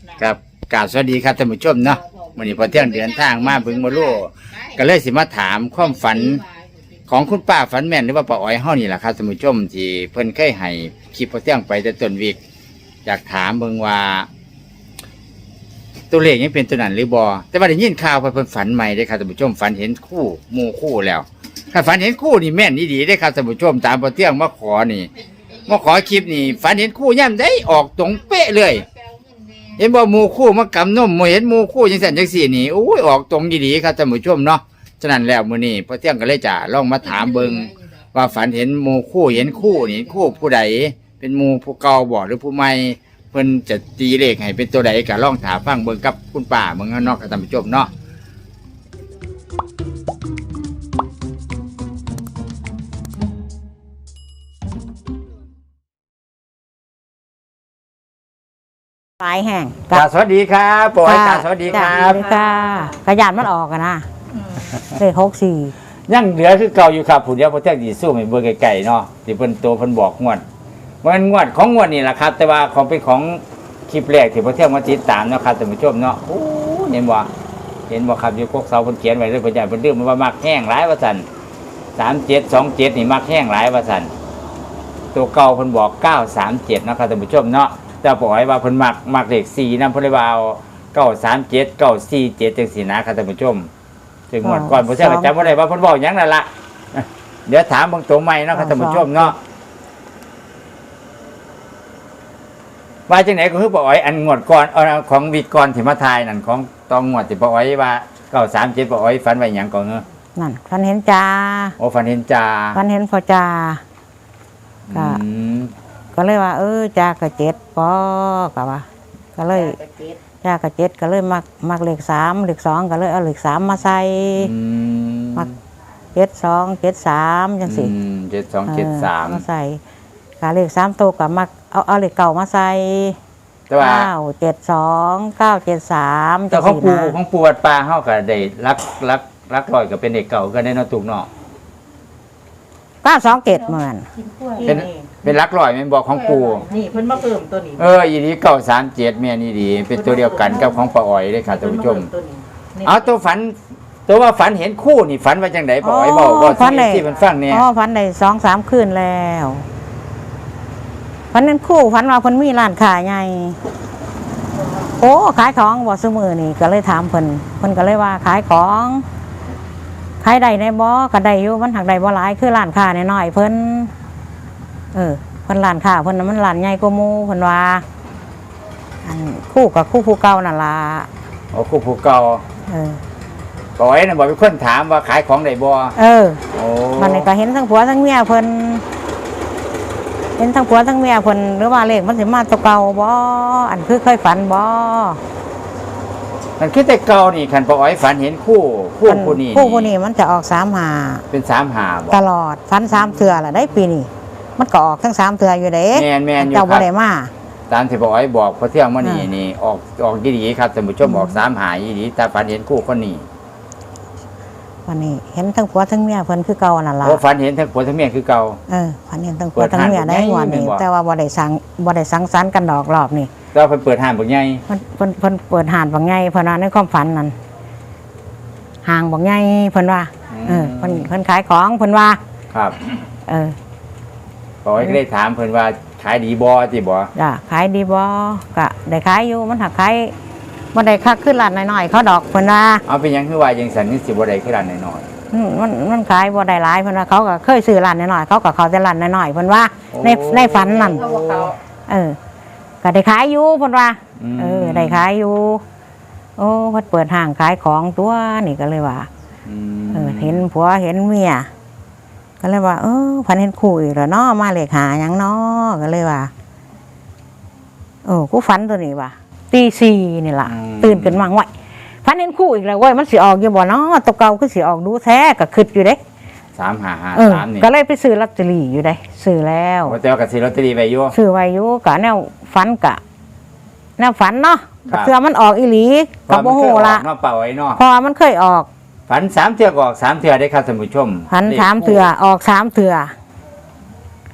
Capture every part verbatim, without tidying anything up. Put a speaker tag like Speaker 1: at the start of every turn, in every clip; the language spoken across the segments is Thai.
Speaker 1: ครับกราบสวัสดีครับท่านผู้ชมเนาะวันนี้พอเที่ยงเดินทางมาบึงมาลู่ก็เลยสิมาถามความฝันของคุณป้าฝันแม่นหรือว่าป้าอ้อยเฮานี่แหละครับท่านผู้ชมที่เพิ่นเคยให้คลิปพอเที่ยงไปแต่ต้นวีกอยากถามเบิ่งว่าตัวเลขยังเป็นตัวนั้นหรือบ่แต่ว่าได้ยินข่าวเพิ่นฝันใหม่ได้ครับท่านผู้ชมฝันเห็นคู่หมู่คู่แล้วถ้าฝันเห็นคู่นี่แม่นดีๆได้ครับท่านผู้ชมตามพอเที่ยงมาขอนี่มาขอคลิปนี่ฝันเห็นคู่ย่ำได้ออกตรงเป๊ะเลยเห็นบ่หมู่คู่มากำนมเห็นหมู่คู่จังซั่นจังซี่นี่โอ้ยออกตรงดีๆครับท่านผู้ชมเนาะฉะนั้นแล้วมื้อนี้พอเที่ยงก็เลยจะลองมาถามเบิ่งว่าฝันเห็นหมู่คู่เห็นคู่นี่คู่ผู้ใดเป็นหมู่ผู้เก่าบ่หรือผู้ใหม่เพิ่นจะตีเลขให้เป็นตัวใดก็ลองถามฟังเบิ่งกับคุณป้าเบิ่งเนาะครับท่านผู้ชมเนาะ
Speaker 2: ปลายแห้ง
Speaker 1: กราบสวัสดีครับปอยกราบสวัสดีครับ
Speaker 2: ค่ะขยันมันออกกันนะเลขหกสี่
Speaker 1: ยังเหลือคือเก่าอยู่ครับผู้เดียวพอเที่ยงสิสู้ให้เบิ่งไกลๆเนาะที่เพิ่นโตเพิ่นบอกงวดมันงวดของงวดนี่แหละครับแต่ว่าของเป็นของคลิปแรกที่พอเที่ยงมาติดตามเนาะครับท่านผู้ชมเนาะโอ้เห็นบ่เห็นบ่ครับอยู่กกเสาเพิ่นเขียนไว้เลยเพิ่นอยากเพิ่นดื้อมันว่ามักแห้งหลายว่าซั่นสามเจ็ด สองเจ็ดนี่มักแห้งหลายว่าซั่นตัวเก่าเพิ่นบอกเก้าสามเจ็ดเนาะครับท่านผู้ชมเนาะแต่ปล่อยว่าเพิ่นมักมักเลขสี่นำเพิ่นเลยว่าเอาเก้าสามเจ็ด เก้าสี่เจ็ดจังซี่นะครับท่านผู้ชมถึงงวดก่อนผมเชื่อจำบ่ได้ว่าเพิ่นบอกหยังนั่นล่ะเดี๋ยวถามเบิ่งตัวใหม่เนาะครับท่านผู้ชมเนาะว่าจังไหนก็คือป้าอ้อยอันงวดก่อนเอาของวิกก่อนที่มาทายนั่นของตองงวดที่ป้าอ้อยว่าเก้าสามเจ็ดป้าอ้อยฝันไว้หยังก่อนเนอะ
Speaker 2: นั่นฝันเห็นจ่า
Speaker 1: โอ้ฝันเห็นจ่า
Speaker 2: ฝันเห็นพ่อจ่าก็ก็เลยว่าเออจ่ากระเจ็ดปอกะว่าก็เลยจ่ากระเจ็ดก็เลยมักมักเลขสามเลขสองก็เลยเอาเลขสามมาใส่มักเจ็ดสองเจ็ดสามจังสิ
Speaker 1: เจ็ดสองเจ็ดสาม
Speaker 2: มาใส่กาเลขสามตัวกับมักเอาเอาเลขเก่ามาใส่เก้าเจ็ดสองเก้าเจ็ดสาม
Speaker 1: แต่ของปูของปูวัดป่าเฮาก็ได้รักรักรักร้อยก็เป็นเด็กเก่าก็ได้เนาะตุกเนาะ
Speaker 2: เก้าสองเจ็ดเหมือน
Speaker 1: เป็นเป็นรักร้อยแม่นบอกของปู
Speaker 3: นี่เพิ่นมาเพิ่มตัวนี้
Speaker 1: เอออีนี้เก้าสามเจ็ดแม่นี่ดีเป็นตัวเดียวกันกับของป้าอ้อยเลยค่ะท่านผู้ชมเอาตัวฝันตัวว่าฝันเห็นคู่นี่ฝันว่าจังไดป้าอ้อยบอกว่าที่มันฟังเนี่ย
Speaker 2: อ๋อฝันได้สองสามคืนแล้วฝันนั้นคู่ฝันว่าเพิ่นมีร้านขายใหญ่โอ้ขายของบ่ซื้อมือนี่ก็เลยถามเพิ่นเพิ่นก็เลยว่าขายของขายได้ในบ่ก็ได้อยู่มันหักได้บ่หลายคือร้านค้าน้อยๆเพิ่นเออเพิ่นร้านค้าเพิ่นมันร้านใหญ่กว่าหมู่เพิ่นว่าอันคู่กับคู่ผู้เก่านั่นล่ะ
Speaker 1: อ๋อคู่ผู้เก่า
Speaker 2: เออ
Speaker 1: ป้าอ้อยน่ะบอกมีคนถามว่าขายของได้บ่
Speaker 2: เออโอ้มันนี่ก็เห็นทั้งผัวทั้งเมียเพิ่นเห็นทั้งผัวทั้งเมียคนหรือว่าเลขมันสิมาตัวเก่าบ่อันคือเคยฝันบ่
Speaker 1: มันคือแต่เก่านี่คันป้าอ้อยฝันเห็นคู่คู่ผู้นี้
Speaker 2: คู่ผู้นี้มันจะออกสามหา
Speaker 1: เป็นสามหาบ่
Speaker 2: ตลอดฝันสามเทื่อละได้ปีนี้มันก็ออกทั้งสามเทื่ออยู่เด้
Speaker 1: แม่นแม่นอยู่
Speaker 2: ครับเจ้าบ่ได้มา
Speaker 1: ตามที่ป้าอ้อยบอกพอเที่ยงมื้อนี้นี่ออกออกดีๆครับท่านผู้ชมออกสามหาดีๆแต่ฝันเห็นคู่คนนี้
Speaker 2: วันนี้เห็นทั้งผัวทั้งเมียเพิ่นคือเก่านั่นล่ะ
Speaker 1: โอ้ฝันเห็นทั้งผัวทั้งเมียคือเก่า
Speaker 2: เออฝันเห็นทั้งผัวทั้งเมียได้วันนี้แต่ว่าบ่ได้สังบ่ได้สังสรรค์กันดอกรอบนี่
Speaker 1: แต่เพิ่นเปิดห้างบักใหญ่
Speaker 2: เพิ่นเพิ่นเพิ่นเปิดห้างบักใหญ่เพิ่นว่าในความฝันนั่นห้างบักใหญ่เพิ่นว่าเออเพิ่นเพิ่นขายของเพิ่นว่า
Speaker 1: ครับ
Speaker 2: เออ
Speaker 1: ป้าอ้อยก็ได้ถามเพิ่นว่าขายดีบ่จิบ่
Speaker 2: จ้ะขายดีบ่ก็ได้ขายอยู่มันหักขายบ่ได้คักขึ้นร้านน้อยๆเขาดอกเพิ่นว่า
Speaker 1: เอาเป็นหยังคือว่าจังซั่นนี่สิบ่ได้ขึ้นร้านน้อย
Speaker 2: ๆมันมันขายบ่ได้หลายเพิ่นว่าเขาก็เคยซื้อร้านน้อยๆเขาก็เข้าแต่ร้านน้อยๆเพิ่นว่าในในฝันนั่นเออก็ได้ขายอยู่เพิ่นว่าเออได้ขายอยู่โอ้เพิ่นเปิดห้างขายของตัวนี่ก็เลยว่าเออเห็นผัวเห็นเมียก็เลยว่าเออฝันเห็นคู่อีกแล้วเนาะมาเลขหาหยังเนาะก็เลยว่าโอ้กูฝันตัวนี้ว่ะตีสี่นี่ล่ะตื่นขึ้นมาห่วยฝันเห็นคู่อีกแล้วเว้ยมันสิออกอยู่บ่เนาะตัวเก่าคือสิออกดูแท้ก็คิดอยู่เด้
Speaker 1: สามห้าห้าสามนี่
Speaker 2: ก็เลยไปซื้อลอตเตอรี่อยู่ได้ซื้อแล้ว
Speaker 1: แต่ว่าก็ซื้อลอตเตอรี่ไว้อยู่
Speaker 2: ซื้อไว้อยู่ก็แนวฝันกะแนวฝันเนาะก็เทื่อมันออกอีหลีก็บ่ฮู้ล่ะ
Speaker 1: เนาะเป่าไว้เนาะ
Speaker 2: พอมันเคยออก
Speaker 1: ฝันสามเทื่อก็ออกสามเทื่อได้ครับท่านผู้ชม
Speaker 2: ฝันสามเทื่อออกสามเทื่อ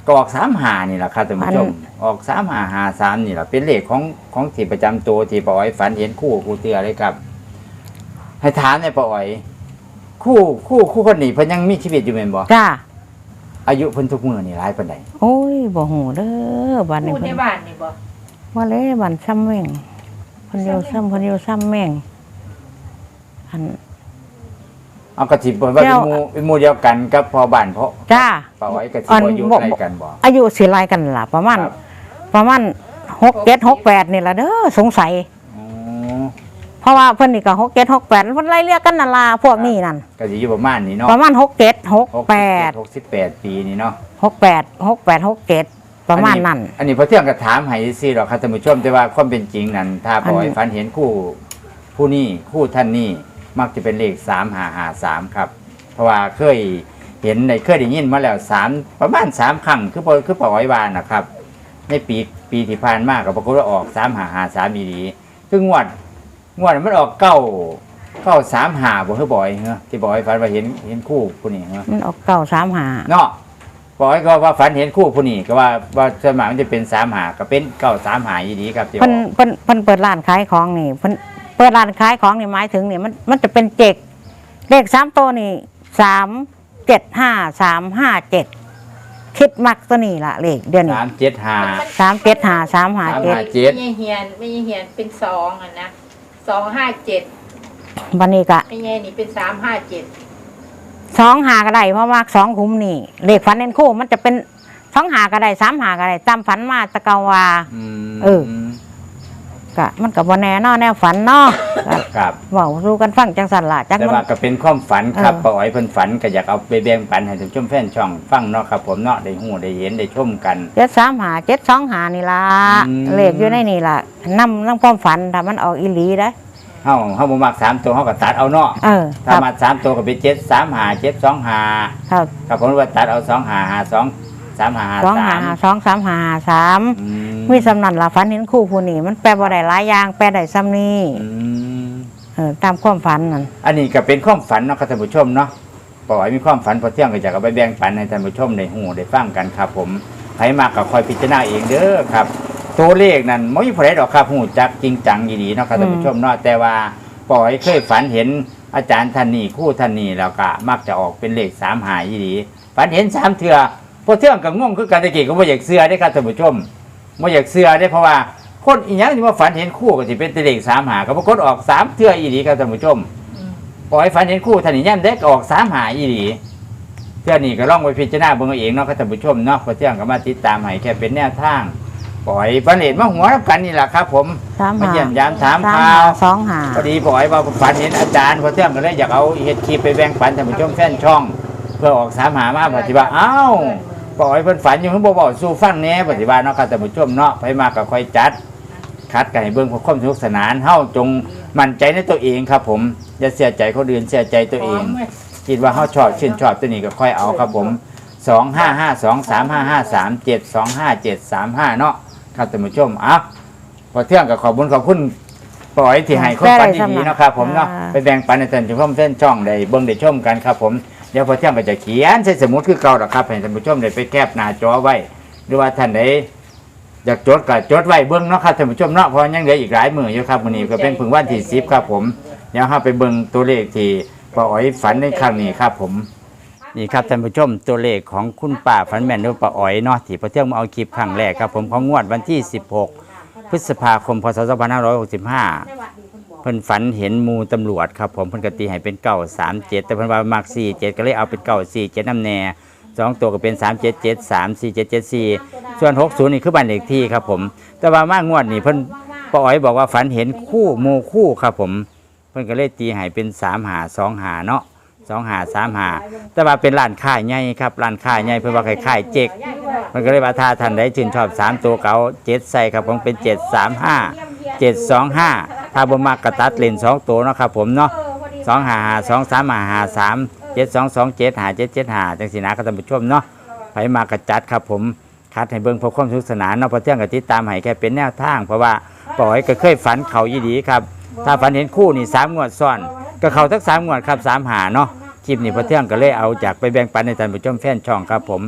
Speaker 1: ก็ออกสามหานี่แหละครับท่านผู้ชมออกสามหาหาสามนี่แหละเป็นเลขของของที่ประจำตัวที่ป้าอ๋อยฝันเห็นคู่ครูเตือเลยครับ ให้ถามในป้าอ๋อย คู่คู่คู่คนนี้เพิ่นยังมีชีวิตอยู่แม่นบ่
Speaker 2: จ้า
Speaker 1: อายุเพิ่นทุกมื้อนี่หลายปานใด
Speaker 2: โอ้ยบ่ฮู้เด้อบ้านนี้
Speaker 3: พูดใน
Speaker 2: เพิ่น
Speaker 3: บ้านนี่บ่
Speaker 2: ว่าเลยบ้านซ้ำแม่งเพิ่นอยู่ซ้ำเพิ่นอยู่ซ้ำแม่งอัน
Speaker 1: เอากระสิบว่าเป็น
Speaker 2: เจ้า
Speaker 1: หมู่เป็นหมู่เดียวกันกับพ่อบ้านเพราะ
Speaker 2: จ้า
Speaker 1: ป้าอ๋อยกระสิบ
Speaker 2: อัน
Speaker 1: อายุ
Speaker 2: บ่
Speaker 1: ใกล้กันบ่
Speaker 2: อายุสิไล่กันล่ะประมาณ
Speaker 1: ครับ
Speaker 2: ประมาณหกเจ็ด หกแปดนี่ล่ะเด้อสงสัย
Speaker 1: อ๋อ
Speaker 2: เพราะว่าเพิ่นนี่ก็หกเจ็ด หกแปดเพิ่นไล่เรียกกันนั่นล่ะพวกนี้นั่น
Speaker 1: ก็สิอยู่ประมาณนี้เนาะ
Speaker 2: ประมาณหกเจ็ด หก
Speaker 1: หก
Speaker 2: แปด
Speaker 1: หกสิบแปดปีนี่เนาะ
Speaker 2: หกแปด หกแปด หกเจ็ดประมาณนั้น
Speaker 1: อันนี้พอเที่ยงก็ถามให้ซื่อหรอกครับท่านผู้ชมแต่ว่าความเป็นจริงนั้นถ้าป้าอ๋อย
Speaker 2: อัน
Speaker 1: ฝันเห็นคู่ผู้นี้คู่ท่านนี้มักจะเป็นเลขสามห้าห้าสามครับ เพราะว่าเคยเห็นในเคยได้ยินมาแล้วสามประมาณสามครั้งคือปอคือปอยวานนะครับ ในปีปีที่ผ่านมากับปรากฏว่าออกสามหาหาสามอีดีคืองวดงวดมันออกเก้าเก้าสามหาบ่คือบ่อยเหรอที่บ่อยฝันว่าเห็นเห็นคู่ผู้นี้เหรอ
Speaker 2: มันออกเก้าสามหา
Speaker 1: เนาะบ่อยก็ว่าฝันเห็นคู่ผู้นี้ก็ว่าว่าสวนมัยมันจะเป็นสามหาก็เป็นเก้าสามหาอีดีครับที่บ
Speaker 2: เพิ่น
Speaker 1: อก
Speaker 2: เพิ่นเพิ่นเปิดร้านขายของนี่เพิ่นเปิดร้านขายของนี่หมายถึงนี่มันมันจะเป็นเจกเลขสามตัวนี่สามเจ็ดห้าสามห้าเจ็ดคิดมักตัวนี้ล่ะเลขเดือนนี้
Speaker 1: สามเจ็ดห้า
Speaker 2: สามเจ็ดห้าสามห้าเจ็ด
Speaker 1: สามห้าเจ็ด
Speaker 3: ไม่ใช่เฮียนไม่ใช่เฮียนเป็นสองอ่ะนะสองห้าเจ็ด
Speaker 2: วันนี้ก็
Speaker 3: ไม่ใช่นี่เป็นสามห้าเจ็ด
Speaker 2: สองหาก็ได้เพราะว่าสองคุ้มนี่เลขฝันเน้นคู่มันจะเป็นสองหาก็ได้สามหาก็ได้ตามฝันมาแตะเกาว่า
Speaker 1: อืม
Speaker 2: เออ ก็มันก็บ่แน่เนอแนวฝันเนาะก็
Speaker 1: ครับ
Speaker 2: เว้าสู่กันฟังจังสั่นล่ะจัก
Speaker 1: แต่
Speaker 2: มัน
Speaker 1: ว่าก็เป็นความฝันครับ
Speaker 2: เออ
Speaker 1: ป้าอ๋อยเพิ่นฝันก็อยากเอาไปแบ่งปันให้ท่านผู้ชมแฟนช่องฟังเนาะครับผมเนาะได้ฮู้ได้เห็นได้ชมกัน
Speaker 2: เจ็ดสามหาเจ็ดสองหานี่ล่ะ
Speaker 1: อืม
Speaker 2: เลขอยู่ในนี่ล่ะนำนำความฝันถ้ามันออกอีหลีได้
Speaker 1: เฮาเฮาบ่มักสามตัวเฮาก็ตัดเอาเนาะ
Speaker 2: เออค
Speaker 1: ถ้า
Speaker 2: รับ
Speaker 1: มาสามตัวก็เป็นเจ็ดสามห้าเจ็ดสองห้า
Speaker 2: ครับ
Speaker 1: ครับผมว่าตัดเอาสองห้าห้าสองสามห้าห้า
Speaker 2: สอง
Speaker 1: สา
Speaker 2: หาม สองสามหาสาม
Speaker 1: อื
Speaker 2: มีสำนันล่ะฝันเห็นคู่ผู้นี่มันแปลบ่ได้หลายอย่างแปลได้ซ้ำนี่
Speaker 1: อืม
Speaker 2: เออตามความฝันนั่น
Speaker 1: อันนี้ก็เป็นความฝันเนาะครับท่านผู้ชมเนาะป้าอ๋อยมีความฝันพอเที่ยงก็อยากเอาไปแบ่งปันให้ท่านผู้ชมได้ฮู้ได้ฟังกันครับผมใครมาก็คอยพิจารณาเองเด้อครับ ตัวเลขนั้นไม่มีผู้ใดดอกครับฮู้จักจริงจังดีๆเนาะครับท่านผู้ชมเนาะแต่ว่าป้าอ๋อยเคยฝันเห็นอาจารย์ท่านนี้คู่ท่านนี้แล้วก็มักจะออกเป็นเลขสามหายดีฝันเห็นสามเทื่อพอเที่ยงก็งงคือกันตะกี้ก็บ่อยากเชื่อได้อครับท่านผู้ชมบ่อยากเชื่อได้อเพราะว่าคนอีหยังที่ว่าฝันเห็นคู่ก็สิเป็นแต่เลขสามหาก็ปรากฏออกสามเทื่ออีหลีครับท่านผู้ชม ปล่อยฝันเห็นคู่ท่านนี่ย่ำเด็กออกสามหาอีหลีเที่ยวนี้ก็ล่องไปพิจารณาเบิ่งเอาเองเนาะครับท่านผู้ชมเนาะพอเที่ยงก็มาติดตามให้แค่เป็นแนวทางปล่อยบันเลดมาหัวรับกันนี่แหละครับผม
Speaker 2: สาม
Speaker 1: มา
Speaker 2: หา
Speaker 1: เยี่ยมยามถาม
Speaker 2: สาม
Speaker 1: ข่า
Speaker 2: หาว สองหา
Speaker 1: พอดีปล่อยว่าฝันเห็นอาจารย์พอเที่ยงก็เลยอยากเอาเฮ็ดคลิปไปแบ่งปันท่านผู้ชมแฟนช่อง เพื่อออกสามหามาปฏิบัติอ้าวปล่อยเพิ่นฝันอยู่เพิ่นบ่บอกสู่ฟังแหน่ปฏิบัติเนาะครับท่านผู้ชมเนาะไปมาก็ค่อยจัด คัดกันให้เบิ่งเพื่อความสนุกสนานเฮาจงมั่นใจในตัวเองครับผมอย่าเสียใจคนอื่นเสียใจตัวเอง คิดว่าเขาชอบชื่นชอบตัวนี้ก็ค่อยเอาครับผมสองห้าห้าสองสามห้าห้าสามเจ็ดสองห้าเจ็ดสามห้าเนาะครับท่านผู้ชมอ่ะพอเที่ยงกับขอบคุณขอบคุณปล่อยที่ให้คนปันดีๆเนาะครับผมเนาะไปแบ่งปันในท่านผู้ชมเส้นช่องได้เบิ่งได้ชมกันครับผมเดี๋ยวพอเที่ยงก็จะเขียนใส่สมุดคือเก่าดอกครับให้ท่านผู้ชมได้ไปแคปหน้าจอไว้ หรือว่าท่านใดอยากจดก็จดไว้เบิ่งเนาะครับท่านผู้ชมเนาะเพราะยังเหลืออีกหลายมื้ออยู่ครับมื้อนี้ก็เป็นเพิ่งวันที่สิบครับผมเดี๋ยวเฮาไปเบิ่งตัวเลขที่ป้าอ๋อยฝันในครั้งนี้ครับผมนี่ครับท่านผู้ชมตัวเลขของคุณป้าฝันแม่นหรือป้าอ๋อยเนาะที่พอเที่ยงมาเอาคลิปครั้งแรกครับผมของงวดวันที่สิบหกพฤษภาคมพศสองพันห้าร้อยหกสิบห้าเพิ่นฝันเห็นหมู่ตำรวจครับผมเพิ่นก็ตีให้เป็นเก้าสามเจ็ดแต่เพิ่นว่ามักสี่เจ็ดก็เลยเอาเป็นเก้าสี่เจ็ดน้ำแน่สองตัวก็เป็นสามเจ็ดเจ็ดสามสี่เจ็ดเจ็ดสี่ส่วนหกศูนย์นี่คือบ้านเลขที่ครับผมแต่ว่ามากงวดนี่เพิ่นป้าอ๋อยบอกว่าฝันเห็นคู่หมู่คู่ครับผมเพิ่นก็เลยตีให้เป็นสามหาสองหาเนาะสองหาสามหาแต่ว่าเป็นร้านค้าใหญ่ครับร้านค้าใหญ่เพิ่นว่าคล้ายๆเจ๊กมันก็เลยว่าถ้าท่านใดชื่นชอบสามตัวเก่าเจ็ดใส่ครับผมเป็นเจ็ดสามห้าเจ็ดสองห้าถ้าบ่มักกระตัดเลนสองตัวเนาะครับผมเนาะสองหาหาสองสามหาหาสามเจ็ดสองสองเจ็ดหาเจ็ดเจ็ดหาจังสีนะครับท่านผู้ชมเนาะไปมากระจัดครับผมคัดให้เบิ่งเพื่อความสนุกสนานเนาะพอเที่ยงกับติดตามให้แค่เป็นแนวทางเพราะว่าปล่อยก็เคยฝันเขายี่ดีครับถ้าฝันเห็นคู่นี่สามงวดซ้อนก็เขาทั้งสามงวดครับสามหาเนาะคลิปนี้พอเที่ยงก็เลยเอาจากไปแบ่งปันในท่านผู้ชมแฟนช่องครับผม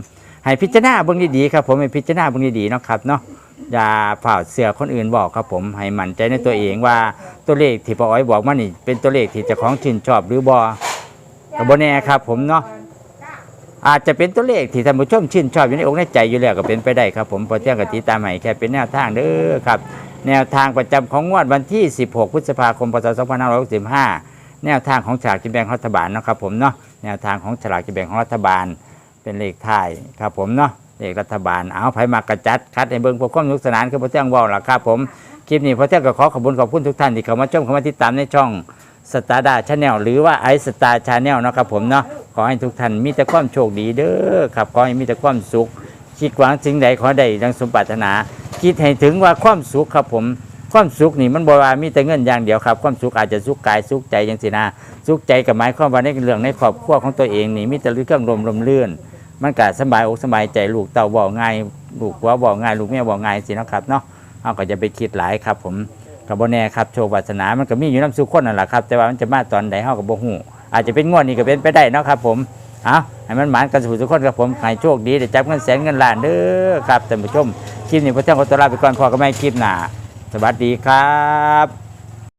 Speaker 1: ให้พิจารณาเบิ่งดีๆครับผมให้พิจารณาเบิ่งดีๆเนาะครับเนาะอย่าฝ่าเสือคนอื่นบอกครับผมให้มั่นใจในตัวเองว่าตัวเลขที่ป้าอ้อยบอกมานี่เป็นตัวเลขที่เจ้าของชื่นชอบหรือบ่ก็บ่แน่ครับผมเนาะอาจจะเป็นตัวเลขที่ท่านผู้ชมชื่นชอบอยู่ในอกในใจอยู่แล้วก็เป็นไปได้ครับผมพอเที่ยงกับติดตามให้แค่เป็นแนวทางเด้อครับแนวทางประจำของงวดวันที่สิบหกพฤษภาคมพศสองพันห้าร้อยหกสิบห้าแนวทางของฉลากกินแบ่งรัฐบาลเนาะครับผมเนาะแนวทางของฉลากกินแบ่งของรัฐบาลเป็นเลขท้ายครับผมเนาะเลขรัฐบาลเอาไผมากระจัดคัดในเบิ่งพวกความสนุกสนานคือพอเที่ยงเว้าล่ะครับผมคลิปนี้พอเที่ยงก็ขอขอบคุณขอบคุณทุกท่านที่เข้ามาชมเข้ามาติดตามในช่องสตาร์ดาชาแนลหรือว่าไอสตาร์ชาแนลนะครับผมเนาะขอให้ทุกท่านมีแต่ความโชคดีเด้อครับขอให้มีแต่ความสุขคิดหวังสิ่งใดขอได้ดังสมปรารถนาคิดให้ถึงว่าความสุขครับผมความสุขนี่มันบ่ว่ามีแต่เงินอย่างเดียวครับความสุขอาจจะสุขกายสุขใจจังซี่นะสุขใจกับหมายความว่าในเรื่องในครอบครัวของตัวเองนี่มีแต่เรื่องลมลมเลื่อนมันก็สบายอกสบายใจลูกเต้าบ่ง่ายลูกผัวบ่ง่ายลูกเมียบ่ง่ายสิเนาะครับเนาะเฮาก็จะไปคิดหลายครับผมกับบ่แน่ครับโชควาสนามันก็มีอยู่นำสู่คนนั่นแหละครับแต่ว่ามันจะมาตอนใดเฮาก็บ่ฮู้อาจจะเป็นงวดนี้ก็เป็นไปได้เนาะครับผมเอาให้มันหมานกันสู่ทุกคนครับผมให้โชคดีได้จับเงินแสนเงินล้านเด้อครับท่านผู้ชมคลิปนี้พระเจ้าขอตัวลาไปก่อนพอก็ไม่คลิปหน้าสวัสดีครับ